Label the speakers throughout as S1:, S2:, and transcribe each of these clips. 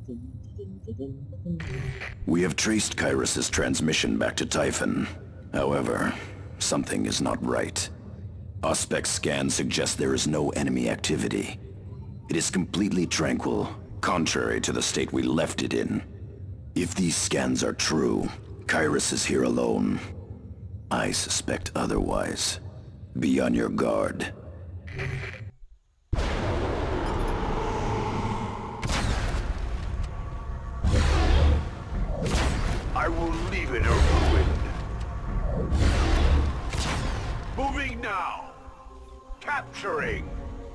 S1: We have traced Kyrus's transmission back to Typhon. However, something is not right. Auspex scans suggest there is no enemy activity. It is completely tranquil, contrary to the state we left it in. If these scans are true, Kyrus is here alone. I suspect otherwise. Be on your guard.
S2: I will leave it a ruin. Moving now. Capturing.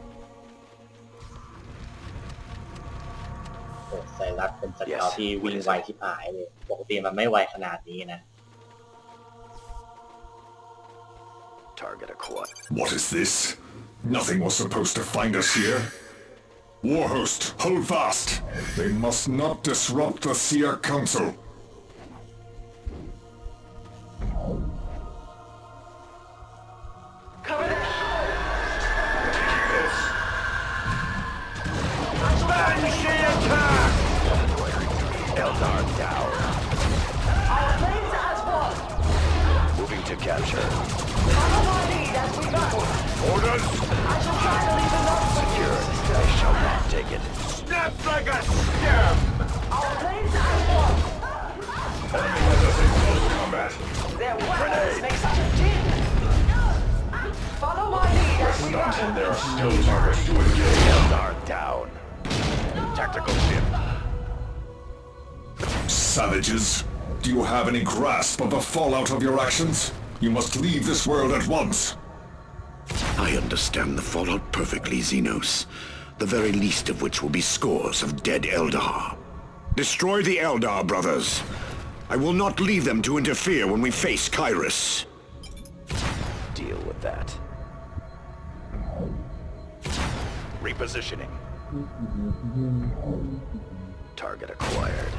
S3: โอ้ไซรัสเป็นสเกาที่วิ่งไวที่หายเลยปกติมันไม่ไวขนาดนี้นะ
S1: Target acquired.
S4: What is this? Nothing was supposed to find us here. Warhost, hold fast. They must not disrupt the Seer Council.
S2: Cover that! Banshee attack! Eldar down.
S5: Our planes as one.
S1: Moving to capture.
S5: Follow my lead as we battle.
S2: Orders!
S5: I shall try to leave enough for you.
S1: I shall not take it.
S2: Snap like a stem!
S5: Our planes as one.
S4: Enemy has us in close combat.
S5: Their weapons make such a din. Follow my lead as we battle.
S4: There are still targets to engage.
S1: Eldar down. Tactical ship.
S4: Savages, do you have any grasp of the fallout of your actions? You must leave this world at once.
S6: I understand the fallout perfectly, Xenos. The very least of which will be scores of dead Eldar. Destroy the Eldar, brothers. I will not leave them to interfere when we face Kyrus.
S1: Deal with that. Repositioning. Target acquired.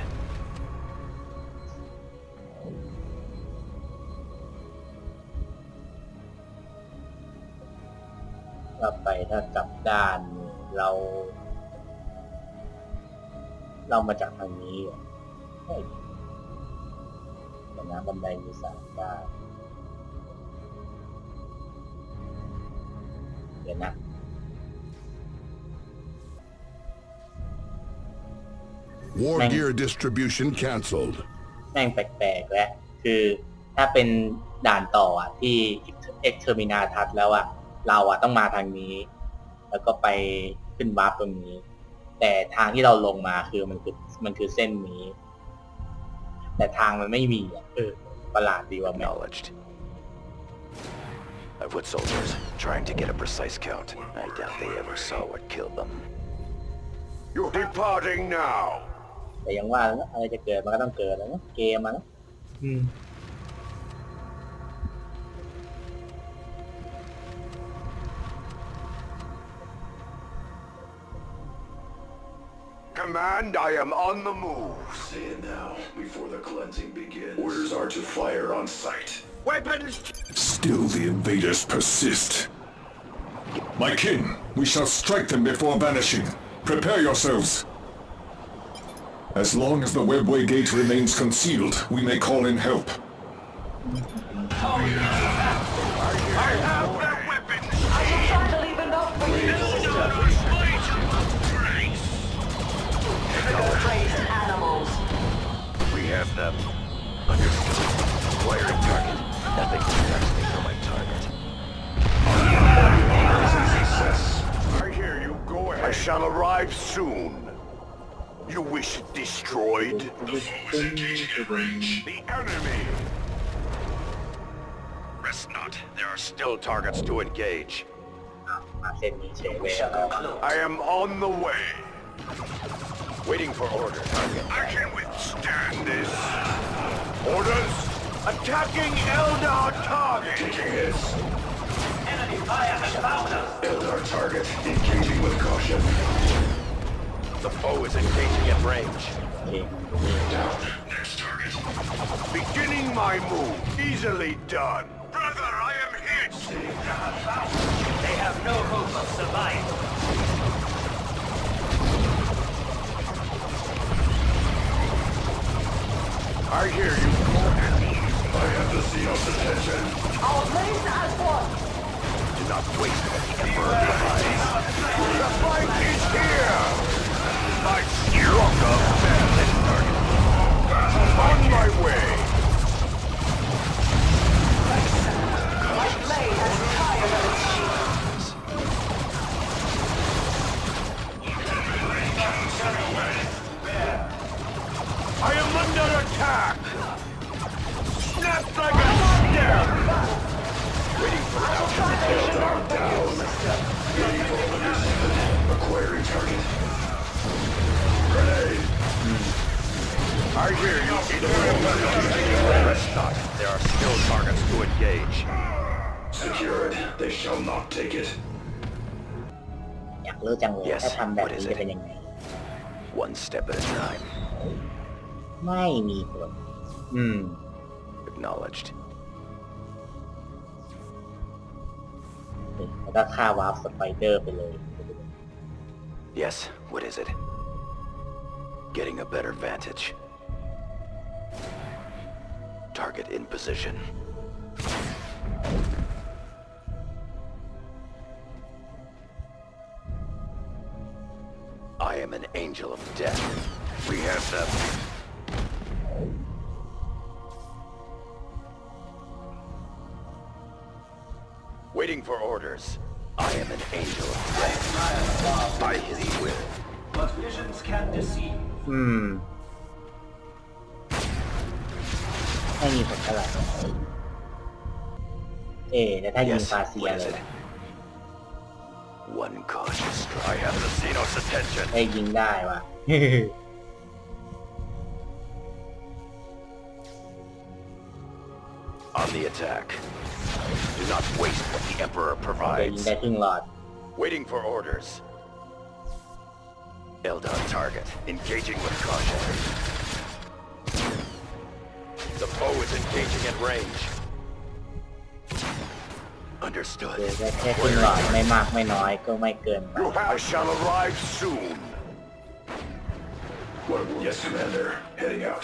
S3: กลับไปถ้ากลับด้านเรามาจากทางนี้เหรอใช่แต่น้ำบันไดมี3 ด้านเดี๋ยวนะ
S6: War gear distribution cancelled.
S3: แม่งแปลกๆแล้วคือถ้าเป็นด่านต่ออ่ะที่เอ็กเทอร์มินาทัศแล้วอ่ะเราอ่ะต้องมาทางนี้แล้วก็ไปขึ้นวาร์ปตรงนี้แต่ทางที่เราลงมาคือมันคือเส้นนี้แต่ทางมันไม่มีอ่ะประหลาดดีว่าแม่
S1: Acknowledged. I've put soldiers trying to get a precise count. I doubt they ever saw what killed them.
S2: You're departing now.
S3: แต่ยังว่าแล้วอะไรจะเกิดมันก็ต้องเกิดแล้วนะเกมมันนะ
S2: Command, I am on the move.
S4: Say it now, before the cleansing begins. Orders are to fire on sight.
S2: Weapons!
S4: Still the invaders persist. My kin, we shall strike them before vanishing. Prepare yourselves. As long as the webway gate remains concealed, we may call in help.
S2: I have their weapons!
S5: I shall try to leave enough for you. Crazed animals.
S1: We have them. Understood. Acquiring target. Nothing distracts me from my target.
S2: I hear you. Go ahead. I shall arrive soon. You wish it destroyed?
S4: The force engaging at range.
S2: The enemy!
S1: Rest not. There are still targets to engage.
S3: มาเส้นนี้เฉยเลย
S2: I am on the way.
S1: Waiting for order. Target.
S2: I can withstand this. Orders? Attacking Eldar target!
S4: Taking hits.
S5: Enemy fire has found us.
S4: Eldar target engaging with caution.
S1: The foe is engaging at range.
S3: โอเค
S4: Down. Next target.
S2: Beginning my move. Easily done. Brother, I am hit!
S5: They have no hope of survival.
S2: I hear you. I have the Xenos attention.
S5: Our main as one.
S2: Do not waste what the Emperor provides. The fight is here! My stronger bandit target. On my way!
S5: My blade has tired of its shields.
S2: I am under attack! Snap like a stem! Waiting for Eldar down. Acquiring target. Grenade! I hear you. Rest not. There are still targets to engage. Secured. They shall not take it.
S3: อยากรู้จังเลย
S1: Yes,
S3: ถ้าทำแบบ
S1: what
S3: นี้
S1: is
S3: จะ
S1: it?
S3: เป็นยังไง
S1: One step at a time.
S3: ไม่มีผล
S1: Acknowledged.
S3: นี่แล้วก็ฆ่าวาร์ปสไปเดอร์ไปเลย
S1: Yes, what is it? Getting a better vantage. Target in position. I am an angel of death.
S2: We have them. Waiting for orders.
S1: I am an angel of death.
S2: I thee will.
S5: But visions can deceive.
S3: ไม่มีผลเท่าไหร่แต่ถ้ายิง
S1: Yes,
S3: ฟาเซีย
S1: what
S3: เล
S1: is
S3: ย
S1: it? One cautious
S2: I
S1: strike.
S2: have the Xenos attention.
S3: ได้ยิงได้ว่ะ
S1: On the attack. Do not waste what the Emperor
S3: ได้ยิง
S1: provides.
S3: ได้ครึ่งหลอด
S2: Waiting for orders.
S1: Eldar target. Engaging with caution.
S2: The foe is engaging at range.
S3: เดี๋ยว
S1: Understood.
S3: ได้แค่ครึ่งหลอดไม่มากไม่น้อยก็ไม่เกินไป
S2: I shall arrive soon.
S4: Yes, Commander. Heading out.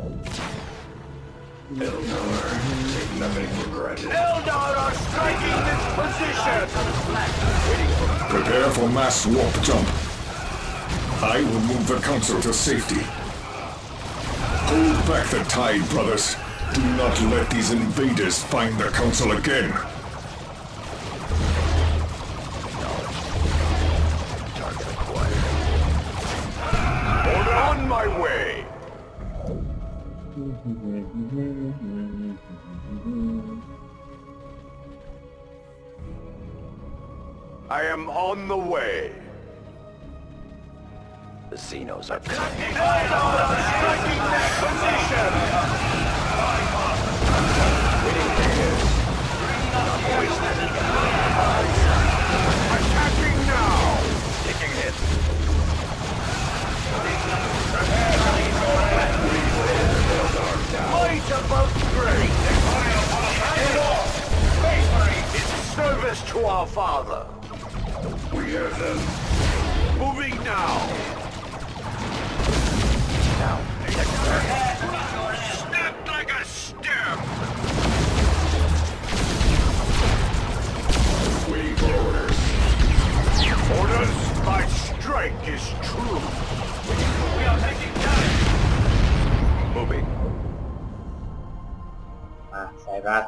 S4: Eldar, take nothing for granted.
S2: Eldar are striking this position!
S4: Prepare for mass warp jump. I will move the Council to safety. Hold back the tide, brothers. Do not let these invaders find the Council again.
S1: Target acquired.
S2: Order on my way! I am on the way.
S1: The Xenos are coming.
S2: Striking this position! Attacking now!
S1: Taking hit.
S2: Might above strength! In service to our father! We have them. Moving now!
S1: Now,
S2: Snapped like a stem! Waiting for orders. Orders? My strike is true. We are taking time. Moving.
S3: มาไซรัส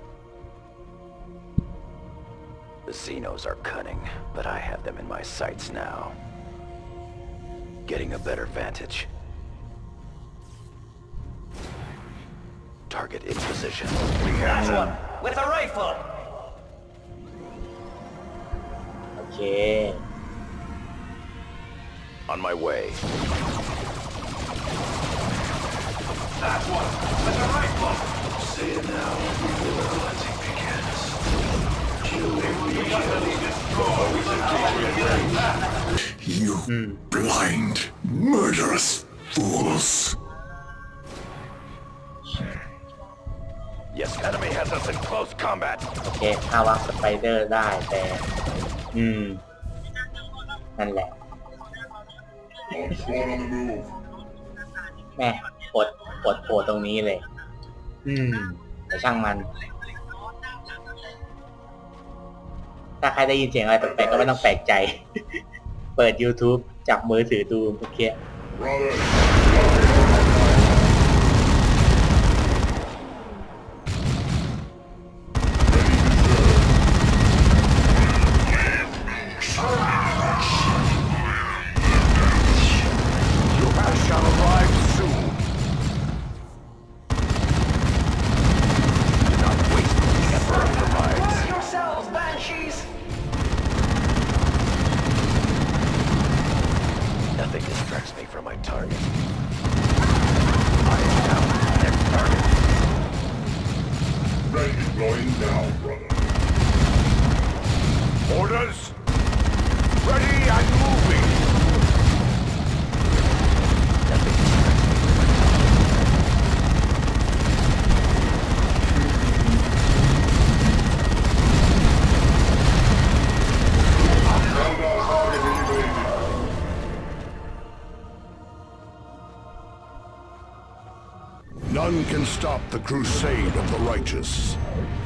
S1: the Xenos are cunning, but I have them in my sights now. Getting a better vantage. Target in position.
S2: We have them.
S5: With a rifle.
S3: โอเค
S1: On my way.
S5: That one. With a rifle.
S2: Say it now before the cleansing begins. Kill
S4: You blind, murderous fools.
S2: Yes, enemy has us in close combat.
S3: โอเคฆ่าวาร์ปสไปเดอร์ได้แต่ นั่นแหละ แม่อดโผล่ตรงนี้เลย แต่ช่างมัน ถ้าใครได้ยินเสียงอะไรแปลกๆก็ไม่ต้องแปลกใจ เปิด YouTube จับมือถือดูเมื่อกี้
S2: I shall arrive soon. Do not waste what the Emperor provides.
S5: Brace yourselves, Banshees!
S2: Nothing distracts me from my target. I am now the next target.
S4: Ready going now, brother.
S2: Orders? Ready and moving. Nothing distracts me from my target.
S4: None can stop the crusade of the righteous.